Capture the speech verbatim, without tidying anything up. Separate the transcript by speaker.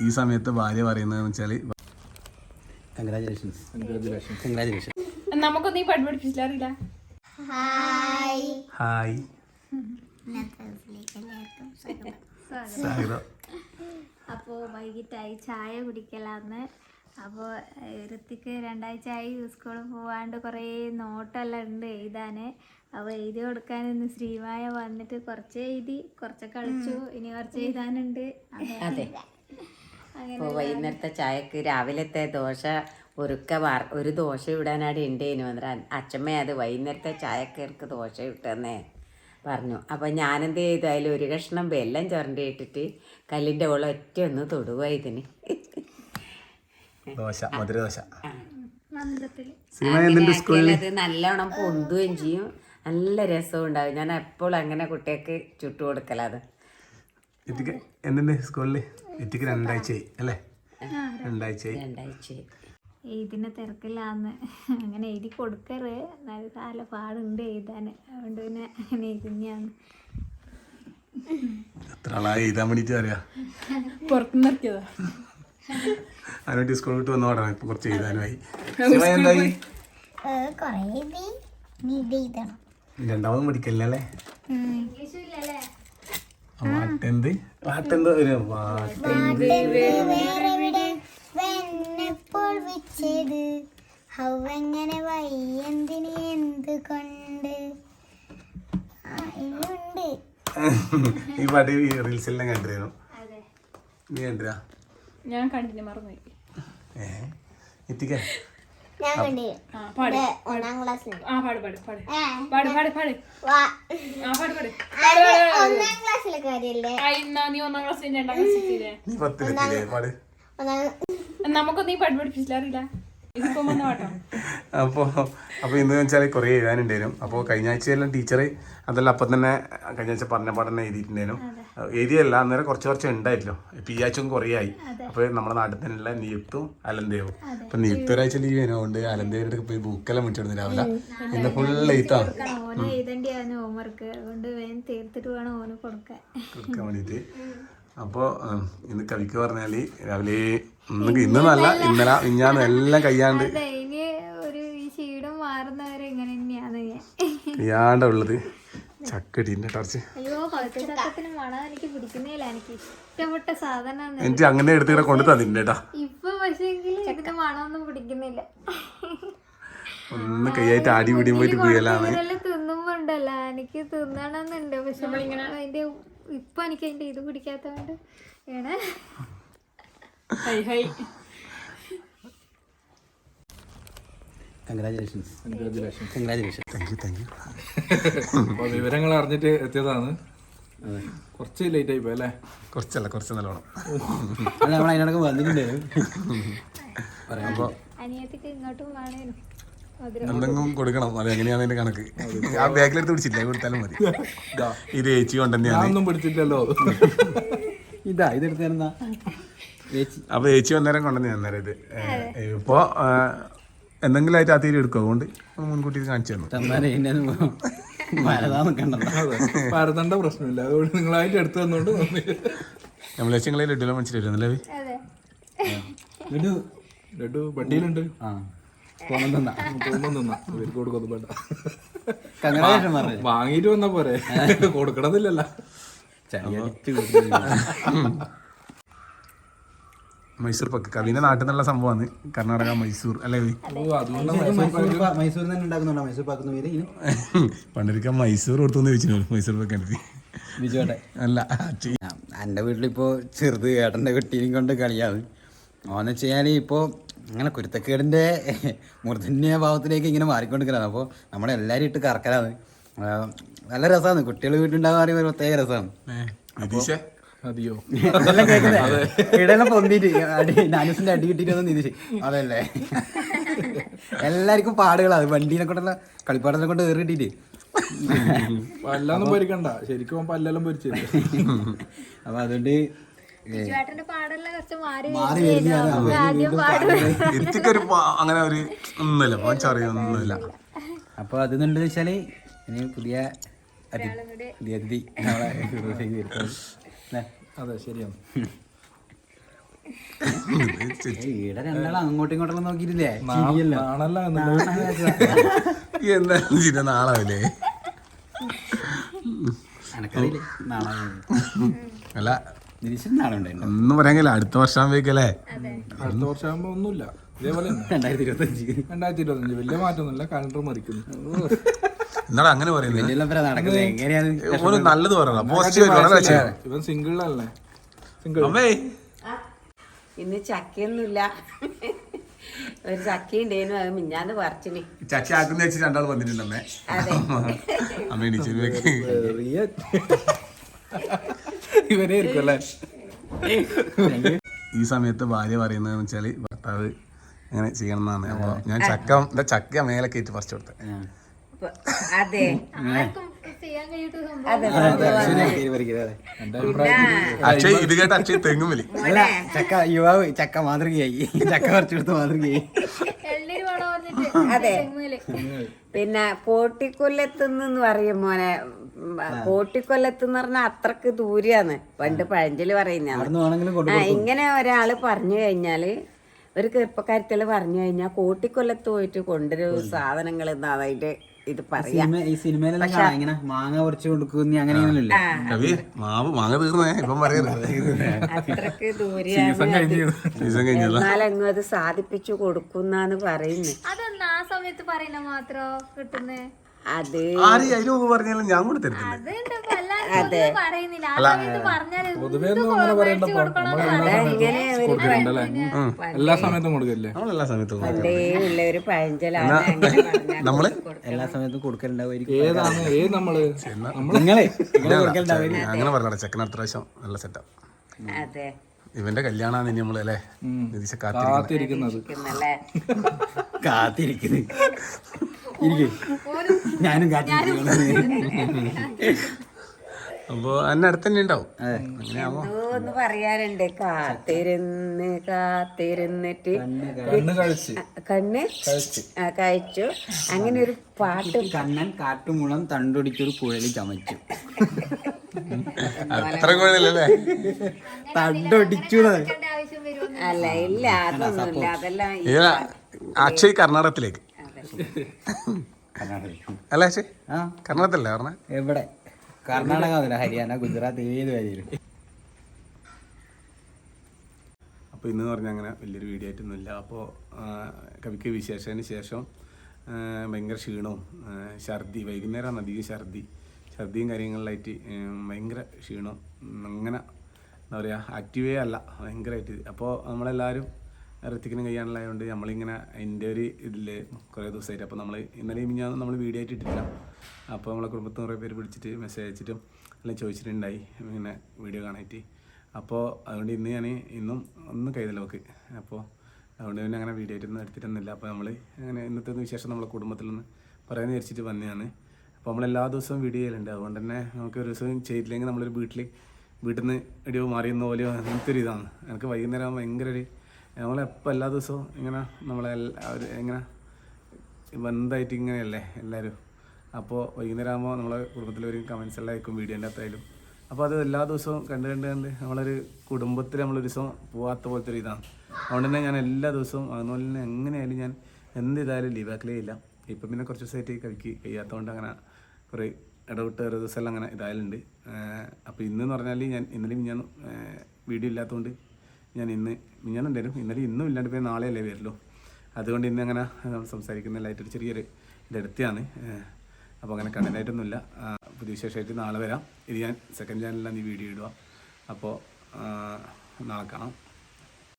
Speaker 1: ഈ സമയത്ത് ഭാര്യ പറയുന്നതെന്ന് വെച്ചാൽ
Speaker 2: കൺഗ്രാജുലേഷൻസ് കൺഗ്രാജുലേഷൻ.
Speaker 3: നമുക്കൊന്നും ഈ പാട്ട് പഠിപ്പിച്ചില്ല, അറിയില്ല.
Speaker 1: ഹായ് സ്വാഗതം.
Speaker 4: അപ്പോൾ വൈകിട്ടായി ചായ കുടിക്കലാന്ന്. അപ്പോൾ ഋത്തിക്ക് രണ്ടാഴ്ചയായി സ്കൂളിൽ പോവാണ്ട് കുറേ നോട്ടെല്ലാം ഉണ്ട് എഴുതാൻ. അപ്പോൾ എഴുതി കൊടുക്കാൻ ഇന്ന് ശ്രീമായ വന്നിട്ട് കുറച്ച് എഴുതി, കുറച്ച് കളിച്ചു, ഇനി കുറച്ച് എഴുതാനുണ്ട്.
Speaker 5: അതെ. അപ്പോൾ വൈകുന്നേരത്തെ ചായക്ക് രാവിലത്തെ ദോശ ഒരുക്ക വാർ ഒരു ദോശ ഇടാനായിട്ട് ഉണ്ടേനു അന്നേരം അച്ഛമ്മ അത് വൈകുന്നേരത്തെ ചായക്ക് എനിക്ക് ദോശ ഇട്ടെന്നേ പറഞ്ഞു. അപ്പം ഞാനെന്ത് ചെയ്തു, അതിൽ ഒരു കഷ്ണം വെല്ലം ചുരണ്ടി ഇട്ടിട്ട് കല്ലിൻ്റെ ഉള്ള ഒറ്റ ഒന്ന് തൊടുക ഇതിന്.
Speaker 1: ദോശ മധുര ദോശ.
Speaker 5: അത് നല്ലോണം പൊന്തുകയും ചെയ്യും, നല്ല രസവും ഉണ്ടാവും. ഞാൻ എപ്പോഴും അങ്ങനെ കുട്ടികൾക്ക് ചുട്ടു കൊടുക്കലത്.
Speaker 1: എത്തിക്ക് എന്തുണ്ട് സ്കൂളിൽ? എത്തിക്ക് രണ്ടാഴ്ചയായി അല്ലേ? രണ്ടാഴ്ചയായി
Speaker 5: രണ്ടാഴ്ചയായി
Speaker 4: എഴുതിനെ തിരക്കില്ലാന്ന് അങ്ങനെ എഴുതി കൊടുക്കറ്. നല്ല നല്ല പാടുണ്ട് എഴുതാൻ, അതുകൊണ്ട് പിന്നെ അങ്ങനെ എഴുതുന്നതാണ്.
Speaker 1: എത്ര ആളായി എഴുതാൻ വേണ്ടിയിട്ട് അറിയാം.
Speaker 3: പുറത്തുനിന്ന് ഇറക്കിയതാ.
Speaker 1: അതിനുവേണ്ടി സ്കൂൾ വിട്ട് വന്നു തുടങ്ങി. ഇപ്പൊ കുറച്ച് എഴുതാനുമായി. എന്തായി? രണ്ടാമതും പഠിക്കല്ലേ? വാട്ടെന്ത് വാട്ടെന്ത് ഒരു വാട്ടെന്ത്
Speaker 6: ഹൗവെങ്ങനെ വയ്യെന്തിന് എന്ത് കൊണ്ട് ഉണ്ട്.
Speaker 1: ഈ പാട്ട് റീൽസെല്ലാം കണ്ടിരുന്നു. നീ കണ്ടിരാ?
Speaker 3: ഞാൻ കണ്ടില്ല, മറന്നുപോയി.
Speaker 1: ഏ എത്തിക്ക
Speaker 6: ഞാൻ കണ്ടു
Speaker 3: പാട്
Speaker 6: ഒന്നാം ക്ലാസ്സിൽ.
Speaker 3: ആ പാട് പാട് പാട് പാട് പാട് പാട് ആ പാട് പാട്.
Speaker 6: ഒന്നാം ക്ലാസ്സിലെ കാര്യല്ലേ?
Speaker 3: ആ ഇന്നാ നീ ഒന്നാം ക്ലാസ്സിൽ രണ്ടാം ക്ലാസ്സിലെ
Speaker 1: നീ പത്തിലെത്തില്ലേ? പാട്.
Speaker 3: നമുക്കൊന്നും ഈ പാട്ട് പഠിപ്പിച്ചില്ല, അറിയില്ല. ഇതിപ്പോ വന്ന പാട്ടോ.
Speaker 1: അപ്പോൾ അപ്പോൾ ഇന്ന് വെച്ചാൽ കുറേ എഴുതാനുണ്ടായിരുന്നു. അപ്പോൾ കഴിഞ്ഞ ആഴ്ചയെല്ലാം ടീച്ചർ അതെല്ലാം അപ്പം തന്നെ കഴിഞ്ഞ ആഴ്ച പറഞ്ഞ പാടെ തന്നെ എഴുതിയിട്ടുണ്ടായിരുന്നു. എഴുതിയല്ല, അന്നേരം കുറച്ച് കുറച്ച് ഉണ്ടായില്ലോ. ഇപ്പം ഈ ആഴ്ച കുറേ ആയി. അപ്പോൾ നമ്മുടെ നാട്ടിൽ തന്നെയുള്ള നിയുക്തും അലന്തേവും. അപ്പം നിയുക്ത ഒരാഴ്ച ലീവ് ചെയ്യുന്നതുകൊണ്ട് അലന്തേവരുടെ പോയി ബുക്കെല്ലാം മുറ്റിടുന്നു രാവിലെ. ഇന്ന് ഫുൾ എഴുത്താണ്.
Speaker 4: ഓന് എഴുതേണ്ടിയാണ് ഹോംവർക്ക്, അതുകൊണ്ട് വേഗം തീർത്തിട്ട് വേണം ഓന് കൊടുക്കാൻ
Speaker 1: കൊടുക്കാൻ വേണ്ടിയിട്ട്. അപ്പോൾ ഇന്ന് കവിക്ക് പറഞ്ഞാൽ രാവിലെ ഇന്ന് ഇന്ന് നല്ല ഇന്നലെ മിഞ്ഞാന്ന് എല്ലാം കയ്യാണ്ട്
Speaker 4: ഇനി ഒരു ഈ ക്ഷീണം മാറുന്നവരെ ഇങ്ങനെ തന്നെയാണ് ഞാൻ
Speaker 1: കയ്യാണ്ട ഉള്ളത്. ചക്കടീൻ്റെ ടർച്ച്
Speaker 4: അയ്യോ പഴുത്തച്ചക്കത്തിന് മണം എനിക്ക് പിടിക്കുന്നില്ല. എനിക്ക് ഇഷ്ടപ്പെട്ട സാധനമാണ്.
Speaker 1: എനിക്ക് അങ്ങനെ എടുത്തിട്ട് കൊണ്ട് തന്നിട്ടുണ്ട് കേട്ടാ.
Speaker 4: ഇപ്പൊ പക്ഷേ ഇതിന്റെ മണമൊന്നും പിടിക്കുന്നില്ല.
Speaker 1: ഒന്ന് കൈയായിട്ട് ആടി പിടിയും പോയിട്ട് പോയലാണ്.
Speaker 4: തിന്നുമ്പോ ഉണ്ടല്ലോ എനിക്ക് തിന്നണമെന്നുണ്ട്, പക്ഷെ അതിന്റെ ഇപ്പൊ എനിക്ക് അതിന്റെ ഇത് പിടിക്കാത്തോണ്ട് ഏണേ.
Speaker 3: Hi hi
Speaker 2: congratulations congratulation.
Speaker 1: Thank you thank you.
Speaker 7: അപ്പോൾ വിവരങ്ങൾ അറിഞ്ഞിട്ട് എത്തിയതാണ്. കുറച്ച് ലേറ്റ് ആയി പോയി അല്ലേ?
Speaker 1: കുറച്ചല്ല കുറച്ച് നല്ലോണം.
Speaker 2: അല്ല നമ്മൾ അതിനോടൊക്കെ വന്നിട്ടുണ്ടായിരുന്നു.
Speaker 1: അപ്പോൾ
Speaker 4: അനിയത്തിക്ക് ഇങ്ങോട്ടും വേണേനും
Speaker 1: എന്തെങ്കിലും കൊടുക്കണം. അത് എങ്ങനെയാണ് അതിന്റെ കണക്ക്? ആ ബാഗിലെടുത്ത് പിടിച്ചില്ല, കൊടുത്താലും മതി. ഇത് ഏച്ചി കൊണ്ടുതന്നെയാണ്.
Speaker 7: ഒന്നും പിടിച്ചിട്ടല്ലോ.
Speaker 2: ഇതാ ഇതെടുത്തായിരുന്നാ
Speaker 1: അപ്പൊ ഏച്ചി വന്നേരം കൊണ്ടുവന്ന് അന്നേരം ഇത് ഇപ്പൊ എന്തെങ്കിലും ആയിട്ട് ആ തീരെ എടുക്കും. അതുകൊണ്ട് മുൻകൂട്ടി കാണിച്ചു തന്നു.
Speaker 7: പരതണ്ട പ്രശ്നമില്ല, അതുകൊണ്ട് നിങ്ങളായിട്ട് എടുത്തു തന്നോണ്ട്
Speaker 1: നമ്മൾ ലക്ഷ്യങ്ങളെ ലഡുല മനസ്സിലായിരുന്നല്ലേ?
Speaker 7: ലഡു വണ്ടിയിലുണ്ട്. വാങ്ങിട്ട് വന്ന പോരെ, കൊടുക്കണമെന്നില്ലല്ലോ.
Speaker 1: മൈസൂർ പക്ക് കവിന്റെ നാട്ടിൽ നിന്നുള്ള സംഭവമാണ്. കർണാടക മൈസൂർ അല്ലേ?
Speaker 2: മൈസൂരിൽ തന്നെ ഉണ്ടാക്കുന്നുണ്ടോ മൈസൂർ പാക്കുന്ന പേര്?
Speaker 1: പണ്ടൊരിക്കൽ മൈസൂർ കൊടുത്തു ചോദിച്ചു മൈസൂർ പക്ക് എനിക്ക്
Speaker 2: ബിജുവേട്ടെ
Speaker 1: അല്ല.
Speaker 2: എൻ്റെ വീട്ടിലിപ്പോൾ ചെറുത് ഏട്ടൻ്റെ കുട്ടീനെയും കൊണ്ട് കളിയാണ്. ഓന്ന് വെച്ച് കഴിഞ്ഞാൽ ഇപ്പോൾ അങ്ങനെ കുരുത്തക്കേടിൻ്റെ മൂർധന്യ ഭാവത്തിലേക്ക് ഇങ്ങനെ മാറിക്കൊണ്ടിരിക്കലാണ്. അപ്പോൾ നമ്മളെല്ലാവരും ഇട്ട് കറക്കലാണ്. നല്ല രസമാണ്. കുട്ടികൾ വീട്ടിലുണ്ടാകാൻ പറയുമ്പോൾ ഒരു പ്രത്യേക രസമാണ്.
Speaker 7: അതെയോ
Speaker 2: ഇതെല്ലാം കേൾക്കുന്നത് ഇടയെല്ലാം പൊന്തിട്ട് അടി നാനൂസിൻ്റെ അടി കിട്ടിയിട്ട് വന്ന് നിതിച്ച് അതല്ലേ എല്ലാവർക്കും പാടുകളാണ്. വണ്ടീനെ കൊണ്ടുള്ള കളിപ്പാടെല്ലാം കൊണ്ട് ഏറി കിട്ടിയിട്ട്
Speaker 7: പല്ലൊന്നും പൊരിക്കണ്ട, ശരിക്കും പല്ലെല്ലാം പൊരിച്ചു.
Speaker 2: അപ്പം അതുകൊണ്ട്
Speaker 4: മാറി
Speaker 1: എനിക്കൊരു അങ്ങനെ ഒരു ഒന്നുമില്ല ഒന്നുമില്ല.
Speaker 2: അപ്പോൾ അതെന്നുണ്ടെന്ന് വെച്ചാൽ ഇനി പുതിയ പുതിയ അതിഥി നമ്മളെ
Speaker 7: അതെ ശരിയാണ്.
Speaker 2: ഈടെ രണ്ടാളും അങ്ങോട്ടും ഇങ്ങോട്ടും നോക്കിയിട്ടില്ലേ
Speaker 7: നാണല്ല
Speaker 1: എന്തായാലും ചിന്ന നാളാവില്ലേ?
Speaker 2: എനക്കറിയില്ലേ നാളെ
Speaker 1: അല്ല
Speaker 2: നിരീശ്വരൻ നാളെ ഉണ്ടായിരുന്നു
Speaker 1: ഒന്നും പറയാൻ കഴിയില്ല. അടുത്ത വർഷം ആകുമ്പോഴേക്കല്ലേ?
Speaker 7: അടുത്ത വർഷം ആകുമ്പോ ഒന്നുമില്ല, ഇതേപോലെ തന്നെ.
Speaker 2: രണ്ടായിരത്തി ഇരുപത്തി അഞ്ച്
Speaker 7: രണ്ടായിരത്തി ഇരുപത്തഞ്ച് വലിയ മാറ്റമൊന്നുമില്ല, കലണ്ടർ മറിക്കുന്നു.
Speaker 1: എന്നാടാ അങ്ങനെ പറയുന്നത്?
Speaker 2: വലിയ നടക്കുന്നത് എങ്ങനെയാണ്?
Speaker 1: ഓന് നല്ലത് പറയണം, പോസിറ്റീവ്.
Speaker 7: ഇവൻ സിംഗിളല്ലേ? സിംഗിൾ
Speaker 1: അമ്മേ
Speaker 5: ഇന്ന് ചക്കയൊന്നുമില്ല. ഒരു ചക്ക ഉണ്ടേനു, അത് മിഞ്ഞാന്ന് പറിച്ചിന്.
Speaker 1: ചക്ക ആക്കുന്ന വെച്ച് രണ്ടാൾ വന്നിട്ടുണ്ടമ്മേ.
Speaker 5: അതെ,
Speaker 1: അമ്മ ഇടിച്ചു
Speaker 7: ഇവനെ ആയിരിക്കും അല്ലേ?
Speaker 1: ഈ സമയത്ത് ഭാര്യ പറയുന്നതെന്ന് വെച്ചാല് ഭർത്താവ് അങ്ങനെ ചെയ്യണം എന്നാണ്. അപ്പൊ ഞാൻ ചക്ക എന്താ ചക്ക മേലെ കയറ്റി പറിച്ചു കൊടുത്തത്.
Speaker 5: ഇപ്പൊ- അതെ
Speaker 4: ചെയ്യാൻ കഴിയാത്ത സംഭവം.
Speaker 5: അതെ
Speaker 1: അക്ഷയ് ഇത് കേട്ട അക്ഷയ് തെങ്ങും വലി.
Speaker 2: അല്ല ചക്ക യുവാവ് ചക്ക മാതൃകയായി, ചക്ക പറിച്ചെടുത്ത് മാതൃകയായി.
Speaker 4: എള്ളീര് വേണം പറഞ്ഞിട്ട്
Speaker 5: അതെ.
Speaker 4: തെങ്ങുമേല്.
Speaker 5: പിന്നെ കോട്ടിക്കൊല്ലത്തുനിന്ന് പറയും മോനെ, കോട്ടിക്കൊല്ലത്തെന്ന് പറഞ്ഞാൽ അത്രക്ക് ദൂരെയാണ്. പണ്ട് പഴഞ്ചല് പറയുന്ന
Speaker 2: അവിടുന്ന് വേണമെങ്കിലും കൊണ്ട്
Speaker 5: ആ ഇങ്ങനെ ഒരാള് പറഞ്ഞു കഴിഞ്ഞാല്, ഒരു ചെറുപ്പക്കാരത്തില് പറഞ്ഞു കഴിഞ്ഞാൽ കോട്ടിക്കൊല്ലത്ത് പോയിട്ട് കൊണ്ടുവരും സാധനങ്ങൾ എന്താ അതിന്റെ ഇത് പറയാ.
Speaker 2: സിനിമ ഈ സിനിമയിലെല്ലാം കാണാം ഇങ്ങനെ മാങ്ങ പറിച്ചു കൊടുക്കുന്ന അങ്ങനെ ഇങ്ങനെയല്ലേ?
Speaker 1: കവി മാവ് മാങ്ങ തീർന്നേ ഇപ്പം പറയരുത്.
Speaker 5: അത്രക്ക് ദൂരെയാണ്.
Speaker 1: സീസൺ കഴിഞ്ഞല്ല.
Speaker 5: എന്നാലെങ്ങും അത് സാധിപ്പിച്ചു കൊടുക്കുന്നാന്ന് പറയുന്നു.
Speaker 4: അതെന്നാ ആ സമയത്ത് പറയുന്ന മാത്രോ കിട്ടുന്നേ?
Speaker 5: അത്
Speaker 1: ആര് അതിന് മുമ്പ് പറഞ്ഞാലും ഞാൻ കൂടെ തരുന്നില്ല.
Speaker 4: അതുണ്ട് ഇപ്പൊ എല്ലാരും പൊതുവെ പറയുന്നില്ല. ആ സമയത്ത് പറഞ്ഞാൽ
Speaker 7: പൊതുവേ ഒന്നും അങ്ങനെ പറയണ്ടപ്പോ നമ്മൾ എല്ലാ സമയത്തും കൊടുക്കണ്ടല്ലേ? എല്ലാ സമയത്തും കൊടുക്കല്ലേ?
Speaker 1: നമ്മളെല്ലാ സമയത്തും
Speaker 5: പണ്ടേ ഉള്ള ഒരു പഴഞ്ചലാണ്. അങ്ങനെ പറഞ്ഞാൽ
Speaker 1: നമ്മള്
Speaker 2: എല്ലാ സമയത്തും കൊടുക്കലുണ്ടാവുമായിരിക്കും.
Speaker 7: ഏതാണ് ഏത് നമ്മള്
Speaker 2: നിങ്ങളെ നിങ്ങളെ കൊടുക്കലുണ്ടാവും.
Speaker 1: അങ്ങനെ പറഞ്ഞ ചെക്കൻ അടുത്ത പ്രാവശ്യം നല്ല സെറ്റാ.
Speaker 5: അതെ
Speaker 1: ഇവന്റെ കല്യാണമാണ് ഇനി നമ്മള് അല്ലേ നിതീഷ കാത്തിരിക്കുന്നത്.
Speaker 7: കാത്തിരിക്കുന്നത്.
Speaker 5: ഇരിക്കുന്നല്ലേ?
Speaker 2: കാത്തിരിക്കുന്നത് ഇരിക്കും, ഞാനും കാത്തിരിക്കുന്നു.
Speaker 1: അപ്പൊ എന്നെ അടുത്ത് തന്നെ ഉണ്ടാവും. അങ്ങനെയാവുമ്പോ
Speaker 5: ഒന്ന് പറയാനുണ്ട്, കാത്തിരുന്ന് കാത്തിരുന്നിട്ട്
Speaker 7: കണ്ണ് കഴിച്ച്
Speaker 5: കണ്ണ് ആ, കഴിച്ചു. അങ്ങനെ ഒരു പാട്ട്
Speaker 2: കണ്ണൻ കാട്ടുമുളം തണ്ടൊടിച്ചൊരു കുഴലി ചമച്ചു.
Speaker 1: അത്ര കുഴലല്ലേ?
Speaker 2: തണ്ടൊടിച്ചു
Speaker 4: ആവശ്യം വരുമോ?
Speaker 5: അല്ല, ഇല്ല അതൊന്നുമില്ല, അതെല്ലാം ഈ
Speaker 1: ഇതാ അക്ഷയ് കർണാടകത്തിലേക്ക് അല്ല അക്ഷയ്
Speaker 2: ആ
Speaker 1: കർണാടകത്തിലല്ലേ പറഞ്ഞ?
Speaker 2: എവിടെ? കർണാടക മുതല ഹരിയാന ഗുജറാത്ത് ഏത് വരെയും.
Speaker 1: അപ്പോൾ ഇന്ന് പറഞ്ഞാൽ അങ്ങനെ വലിയൊരു വീഡിയോ ആയിട്ടൊന്നുമില്ല. അപ്പോൾ കവിക്ക് വിശേഷത്തിന് ശേഷം ആ, ഭയങ്കര ക്ഷീണവും ആ, ഛർദി, വൈകുന്നേരമാണ് അധികം ഛർദി ഛർദിയും കാര്യങ്ങളിലായിട്ട് ഉം, ഭയങ്കര ക്ഷീണം. അങ്ങനെ എന്താ പറയുക, ആക്റ്റീവേ അല്ല ഭയങ്കരമായിട്ട്. അപ്പോൾ നമ്മളെല്ലാവരും ഋത്തിക്കിനും കയ്യാനുള്ളതുകൊണ്ട് നമ്മളിങ്ങനെ അതിൻ്റെ ഒരു ഇതിൽ കുറേ ദിവസമായിട്ട് അപ്പോൾ നമ്മൾ ഇന്നലെ മിഞ്ഞാന്ന് നമ്മൾ വീഡിയോ ആയിട്ട് ഇട്ടിട്ടില്ല. അപ്പോൾ നമ്മളെ കുടുംബത്തിൽ കുറേ പേര് വിളിച്ചിട്ട് മെസ്സേജ് അയച്ചിട്ടും എല്ലാം ചോദിച്ചിട്ടുണ്ടായി ഇങ്ങനെ വീഡിയോ കാണാനായിട്ട്. അപ്പോൾ അതുകൊണ്ട് ഇന്ന് ഞാൻ ഇന്നും ഒന്നും കൈതല്ല നോക്ക്. അപ്പോൾ അതുകൊണ്ട് പിന്നെ അങ്ങനെ വീഡിയോ ആയിട്ടൊന്നും എടുത്തിട്ടൊന്നുമില്ല. അപ്പോൾ നമ്മൾ അങ്ങനെ ഇന്നത്തെ വിശേഷം നമ്മളെ കുടുംബത്തിൽ നിന്ന് പറയാമെന്ന് വിചാരിച്ചിട്ട് വന്നതാണ്. അപ്പോൾ നമ്മളെല്ലാ ദിവസവും വീഡിയോ ചെയ്യലുണ്ട്. അതുകൊണ്ട് തന്നെ നമുക്ക് ഒരു ദിവസം ചെയ്തില്ലെങ്കിൽ നമ്മളൊരു വീട്ടിൽ വീട്ടിൽ നിന്ന് ഇടിയോ മാറിയുന്ന പോലെയോ അങ്ങനത്തെ ഒരു ഇതാണ്. എനിക്ക് വൈകുന്നേരം ആകുമ്പോൾ ഭയങ്കര ഒരു നമ്മളെപ്പോൾ എല്ലാ ദിവസവും ഇങ്ങനെ നമ്മളെ ഒരു ഇങ്ങനെ ബന്ധമായിട്ട് ഇങ്ങനെയല്ലേ എല്ലാവരും. അപ്പോൾ വൈകുന്നേരം ആകുമ്പോൾ നമ്മളെ കുടുംബത്തിലൊരു കമൻസ് എല്ലാം ആയിരിക്കും വീഡിയോൻ്റെ അകത്തായാലും. അപ്പോൾ അത് എല്ലാ ദിവസവും കണ്ട് കണ്ട് കണ്ട് നമ്മളൊരു കുടുംബത്തിൽ നമ്മളൊരു ദിവസം പോകാത്ത പോലത്തെ ഒരു ഇതാണ്. അതുകൊണ്ട് തന്നെ ഞാൻ എല്ലാ ദിവസവും അതുപോലെ തന്നെ എങ്ങനെയായാലും ഞാൻ എന്ത് ഇതായാലും ലീവാക്കലേ ഇല്ല. ഇപ്പം പിന്നെ കുറച്ച് ദിവസമായിട്ട് കവിക്ക് കഴിയാത്തതുകൊണ്ട് അങ്ങനെ കുറേ ഇടവിട്ട് ഒരു ദിവസം എല്ലാം അങ്ങനെ ഇതായാലുണ്ട്. അപ്പോൾ ഇന്നെന്ന് പറഞ്ഞാൽ ഞാൻ ഇന്നലെയും ഞാൻ വീഡിയോ ഇല്ലാത്തതുകൊണ്ട് ഞാൻ ഇന്ന് മിഞ്ഞാന്നുണ്ടായിരുന്നു, ഇന്നലെ ഇന്നും ഇല്ലാണ്ട് പോയി നാളെയല്ലേ വരുമല്ലോ. അതുകൊണ്ട് ഇന്ന് അങ്ങനെ സംസാരിക്കുന്നതിലായിട്ടൊരു ചെറിയൊരു ഇതെടുത്താണ്. അപ്പോൾ അങ്ങനെ കണ്ടൻ്റായിട്ടൊന്നുമില്ല. പുതിയ വിശേഷമായിട്ട് നാളെ വരാം. ഇത് ഞാൻ സെക്കൻഡ് ചാനലിലാണ് ഈ വീഡിയോ ഇടുക. അപ്പോൾ നാളെ കാണാം.